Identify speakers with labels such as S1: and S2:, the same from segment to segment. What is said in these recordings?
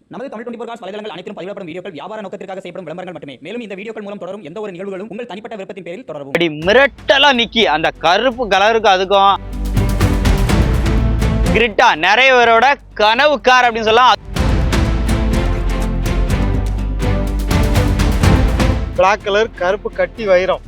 S1: நமது தமிழ் 24 காஸ் வலைதளங்கள் அனைத்தும் பதிவிடப்படும் வீடியோக்கள் வியாபார நோக்கத்திற்காக செய்யப்படும் விளம்பரங்கள் மட்டுமே. மேலும் இந்த வீடியோக்கள் மூலம் தொடரும் எந்த ஒரு நிகழ்வுகளும் உங்கள் தனிப்பட்ட விருப்பத்தின் பேரில் தொடரவும்.
S2: அப்படி மிரட்டலா நிக்கி அந்த கருப்பு கலருக்கு அதுக்கும் கிரிட்டா நிறைய பேரோட கனவு கார் அப்படின்னு சொல்லலாம்.
S3: பிளாக் கலர் கருப்பு கட்டி வைரம்.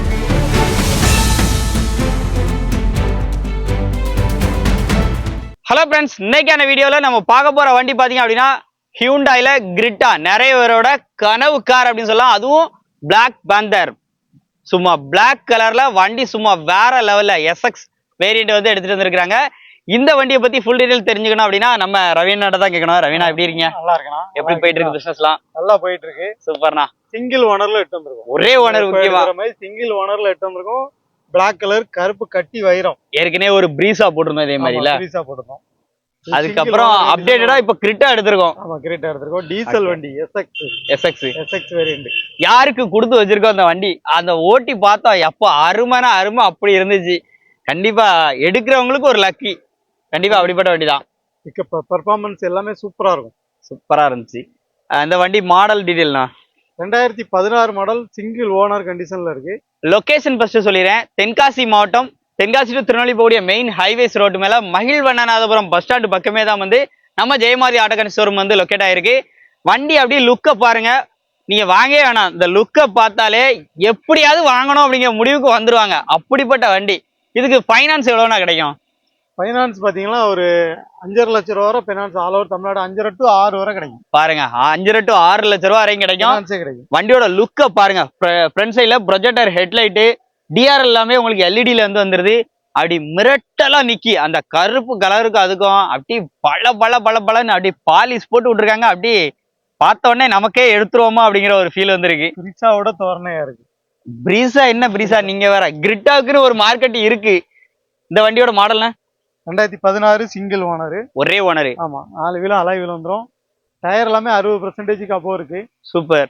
S2: ஹலோ ஃப்ரெண்ட்ஸ், இன்னைக்கான வீடியோல நம்ம பார்க்க போற வண்டி பாத்தீங்க அப்படின்னா ஹியூண்டாயில கிரிட்டா நிறைய பேரோட கனவு கார் அப்படின்னு சொல்லலாம். அதுவும் பிளாக் பேந்தர், சும்மா பிளாக் கலர்ல வண்டி சும்மா வேற லெவல்ல எஸ்எக்ஸ் வேரியன்ட் வந்து எடுத்துட்டு வந்திருக்காங்க. இந்த வண்டியை பத்தி ஃபுல் டீடைல் தெரிஞ்சுக்கணும் அப்படின்னா நம்ம ரவீனாட்ட தான் கேட்கணும். ரவீனா எப்படி இருக்கீங்க?
S3: நல்லா இருக்கணும்.
S2: எப்படி போயிட்டு இருக்கு பிசினஸ்லாம்?
S3: நல்லா போயிட்டு இருக்கு.
S2: சூப்பர்ண்ணா.
S3: சிங்கிள் ஓனர்ல எடுத்து வந்திருக்கோம்.
S2: ஒரே ஓனர் முக்கியமா
S3: சிங்கிள் ஓனர்ல எடுத்து வந்திருக்கோம். பிளாக் கலர் கருப்பு கட்டி வைரம்.
S2: ஏற்கனவே ஒரு பிரீசா போட்டிருந்தோம் இதே மாதிரில.
S3: பிரீசா போட்டிருந்தோம்.
S2: அதுக்கப்புறம் அப்டேட்டடா இப்ப கிரிட்டா எடுத்திருக்கோம்.
S3: ஆமா, கிரிட்டா எடுத்திருக்கோம். டீசல் வண்டி எஸ்எக்ஸ் வேரியன்ட்.
S2: யாருக்கு கொடுத்து வச்சிருக்கோம் அந்த வண்டி? அந்த ஓட்டி பார்த்தா எப்ப அருமைனா அருமை அப்படி இருந்துச்சு. கண்டிப்பா எடுக்கிறவங்களுக்கு ஒரு லக்கி. கண்டிப்பா அப்படிப்பட்ட வண்டி தான்.
S3: பெர்ஃபார்மன்ஸ் எல்லாமே சூப்பரா இருக்கும்.
S2: சூப்பரா இருந்துச்சு. அந்த வண்டி மாடல் டீடைல்னா
S3: 2016 மாடல், சிங்கிள் ஓனர் கண்டிஷன்ல இருக்கு.
S2: லொகேஷன் ஃபர்ஸ்ட் சொல்லிடுறேன். தென்காசி மாவட்டம், தென்காசி டு திருநெல்வேலி போகக்கூடிய மெயின் ஹைவேஸ் ரோடு மேல மகிழ்வண்ணநாதபுரம் பஸ் ஸ்டாண்டு பக்கமே தான் வந்து நம்ம ஜெயமாதி ஆட்டோகன் ஷோரூம் வந்து லொக்கேட் ஆயிருக்கு. வண்டி அப்படியே லுக்கை பாருங்க, நீங்க வாங்கவே வேணாம். இந்த லுக்கை பார்த்தாலே எப்படியாவது வாங்கணும் அப்படிங்கிற முடிவுக்கு வந்துருவாங்க. அப்படிப்பட்ட வண்டி. இதுக்கு ஃபைனான்ஸ் எவ்வளோனா கிடைக்கும்?
S3: ஃபைனான்ஸ் பாத்தீங்கன்னா ஒரு 5.5 லட்சம் ரூபா வரை finance all over Tamil Nadu 5.5 to 6 வரை கிடைக்கும்.
S2: பாருங்க, 5 to 6 லட்சம் ரூபா வரைக்கும் கிடைக்கும். வண்டியோட லுக்கை பாருங்க. ஃப்ரண்ட் சைட்ல ப்ரொஜெக்டர் ஹெட்லைட்டு, டிஆர் எல்லாமே உங்களுக்கு எல்இடில இருந்து வந்துருது. அப்படி மிரட்டலா நிக்கி அந்த கருப்பு கலருக்கு அதுக்கும் அப்படி பல அப்படி பாலிஷ் போட்டு விட்டுருக்காங்க. அப்படி பார்த்த உடனே நமக்கே எடுத்துருவோமா அப்படிங்கிற ஒரு ஃபீல் வந்துருக்கு.
S3: பிரீசாவோட தோரணையா இருக்கு.
S2: பிரீசா என்ன பிரீசா, நீங்க வேற. கிரிட்டாவுக்குன்னு ஒரு மார்க்கெட் இருக்கு. இந்த வண்டியோட மாடல்னா
S3: 2016 சிங்கிள் ஓனர்,
S2: ஒரே ஓனர்.
S3: ஆமா, 4 வீலும் அலாய் வீல் வந்துடும். டயர் எல்லாமே 60% அப்போ இருக்கு.
S2: சூப்பர்.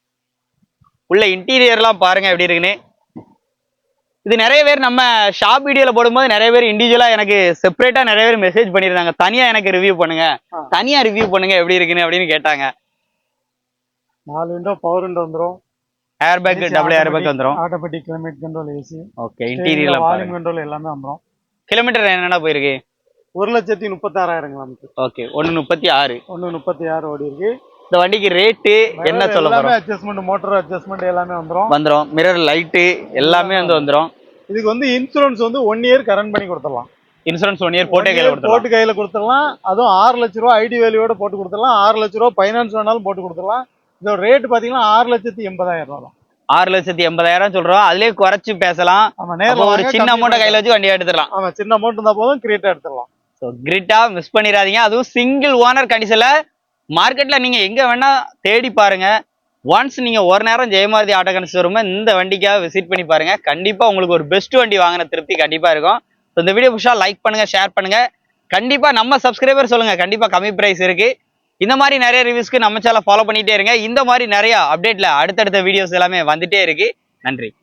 S2: உள்ள இன்டீரியர்லாம் பாருங்க எப்படி இருக்குன்னு. இது நிறைய பேர் நம்ம ஷாப் வீடியோல போடும்போது நிறைய பேர் இண்டிவிஜுவலா எனக்கு செப்பரேட்டா நிறைய பேர் மெசேஜ் பண்ணிருந்தாங்க. தனியா எனக்கு ரிவ்யூ பண்ணுங்க, தனியா ரிவ்யூ பண்ணுங்க எப்படி இருக்குன்னு அப்படின்னு கேட்டாங்க.
S3: 4 விண்டோ பவர் விண்டோ வந்துரும்.
S2: Air bag, double air bag வந்துரும்.
S3: Automatic climate control, AC.
S2: Okay, இன்டீரியர்ல
S3: வால்யூம் கண்ட்ரோல் எல்லாமே வந்துரும்.
S2: கிலோமீட்டர் என்னென்ன போயிருக்கு?
S3: 1,36,000 கிலோமீட்டர்.
S2: ஓகே, 136
S3: ஓடி இருக்கு.
S2: இந்த வண்டிக்கு ரேட்டு என்ன சொல்ல போறோம்?
S3: அட்ஜஸ்ட்மென்ட், மோட்டார் அட்ஜஸ்ட்மென்ட் எல்லாமே வந்துரும்.
S2: மிரர் லைட் எல்லாமே வந்து வந்துரும்.
S3: இதுக்கு வந்து இன்சூரன்ஸ் வந்து 1 இயர் கரண்ட் பண்ணி கொடுத்துடலாம்.
S2: இன்சூரன்ஸ் 1 இயர் போட்டு
S3: கையில கொடுத்துடலாம். அதுவும் 6 லட்ச ரூபா ஐடி வேல்யூவோட போட்டு கொடுத்துடலாம். 6 லட்ச ரூபா ஃபைனான்ஸ் வேணாலும் போட்டு கொடுத்துடலாம். இதோட ரேட் பாத்தீங்கன்னா 6,80,000 ரூபா.
S2: 6,80,000 சொல்றோம். அதுலயே குறைச்சு பேசலாம். ஒரு சின்ன அமௌண்ட் கையில வச்சு வண்டியை எடுத்துடலாம்.
S3: ஆமா, சின்ன அமௌண்ட் இருந்தா போதும், கிரிட்டா எடுத்துடலாம்.
S2: ஸோ கிரிட்டா மிஸ் பண்ணிடாதீங்க. அதுவும் சிங்கிள் ஓனர் கண்டிஷன்ல மார்க்கெட்ல நீங்க எங்க வேணா தேடி பாருங்க. ஒன்ஸ் நீங்க ஒரு நேரம் ஜெயமாதி ஆட்டோகன் ஷோரூம் இந்த வண்டிக்காக விசிட் பண்ணி பாருங்க. கண்டிப்பா உங்களுக்கு ஒரு பெஸ்ட் வண்டி வாங்கின திருப்தி கண்டிப்பா இருக்கும். இந்த வீடியோ புஷா லைக் பண்ணுங்க, ஷேர் பண்ணுங்க. கண்டிப்பா நம்ம சப்ஸ்கிரைபர் சொல்லுங்க, கண்டிப்பா கம்மி பிரைஸ் இருக்கு. இந்த மாதிரி நிறைய ரிவ்யூஸ்க்கு நம்ம சேனலை ஃபாலோ பண்ணிட்டே இருங்க. இந்த மாதிரி நிறைய அப்டேட்ல அடுத்தடுத்த வீடியோஸ் எல்லாமே வந்துட்டே இருக்கு. நன்றி.